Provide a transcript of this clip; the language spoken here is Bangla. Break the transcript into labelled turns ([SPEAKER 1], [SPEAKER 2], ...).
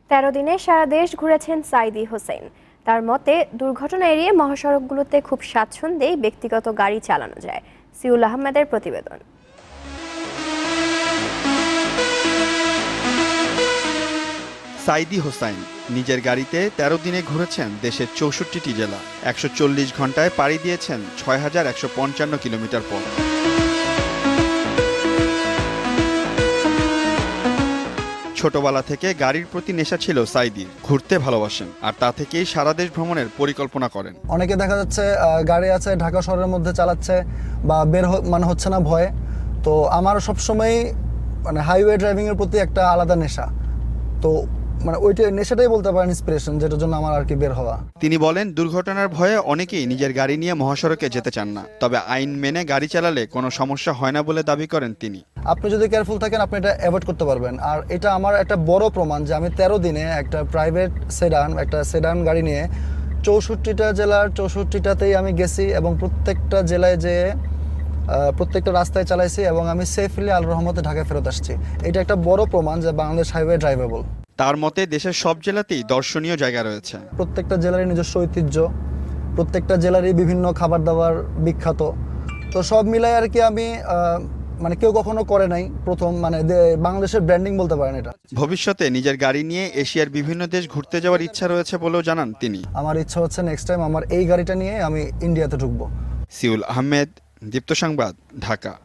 [SPEAKER 1] ১৩ দিনে সারা দেশ ঘুরেছেন সাইদি হোসেন। তার মতে দুর্ঘটনা এড়িয়ে মহাসড়কগুলোতে খুব স্বাচ্ছন্দ্যেই ব্যক্তিগত গাড়ি চালানো যায়। সিউল আহমেদের প্রতিবেদন।
[SPEAKER 2] সাইদি হোসাইন নিজের গাড়িতে ১৩ দিনে ঘুরেছেন দেশের ৬৪টি জেলা। ১৪০ ঘন্টায় পাড়ি দিয়েছেন ৬,১৫৫ কিলোমিটার পথ। ছোটবেলা থেকে গাড়ির প্রতি নেশা ছিল সাইদির। ঘুরতে ভালোবাসেন আর তা থেকেই সারা দেশ ভ্রমণের পরিকল্পনা করেন।
[SPEAKER 3] অনেকে দেখা যাচ্ছে গাড়ি আছে ঢাকা শহরের মধ্যে চালাচ্ছে বা মানে হচ্ছে না ভয়ে। তো আমার সবসময় মানে হাইওয়ে ড্রাইভিং এর প্রতি একটা আলাদা নেশা। তো মানে ওইটা নেশাটাই বলতে পারেন ইন্সপিরেশন, যেটার জন্য আমার আর কি বের হওয়া।
[SPEAKER 2] তিনি বলেন, দুর্ঘটনার ভয়ে অনেকেই নিজের গাড়ি নিয়ে মহাসড়কে যেতে চান না, তবে আইন মেনে গাড়ি চালালে কোনো সমস্যা হয় না বলে দাবি করেন তিনি।
[SPEAKER 3] আপনি যদি কেয়ারফুল থাকেন আপনি এটা অ্যাভয়েড করতে পারবেন। আর এটা আমার একটা বড় প্রমাণ যে আমি ১৩ দিনে একটা প্রাইভেট সেডান গাড়ি নিয়ে ৬৪টা জেলার ৬৪টাতেই আমি গেছি এবং প্রত্যেকটা জেলায় যেয়ে প্রত্যেকটা রাস্তায় চালাইছি এবং আমি সেফলি আল্লাহর রহমতে ঢাকায় ফেরত আসছি। এটা একটা বড় প্রমাণ যে বাংলাদেশ হাইওয়ে ড্রাইভেবল।
[SPEAKER 2] তার মতে দেশের সব জেলাতেই দর্শনীয় জায়গা রয়েছে।
[SPEAKER 3] প্রত্যেকটা জেলারই নিজস্ব ঐতিহ্য, প্রত্যেকটা জেলারই বিভিন্ন খাবার দাবার বিখ্যাত। তো সব মিলাই আর কি আমি মানে কেউ কখনো করে নাই, প্রথম মানে বাংলাদেশের ব্র্যান্ডিং বলতে পারেন এটা।
[SPEAKER 2] ভবিষ্যতে নিজের গাড়ি নিয়ে এশিয়ার বিভিন্ন দেশ ঘুরতে যাওয়ার ইচ্ছা রয়েছে বলেও জানান তিনি।
[SPEAKER 3] আমার ইচ্ছা হচ্ছে নেক্সট টাইম আমার এই গাড়িটা নিয়ে আমি ইন্ডিয়াতে ঢুকবো।
[SPEAKER 2] সিউল আহমেদ, দীপ্ত সংবাদ, ঢাকা।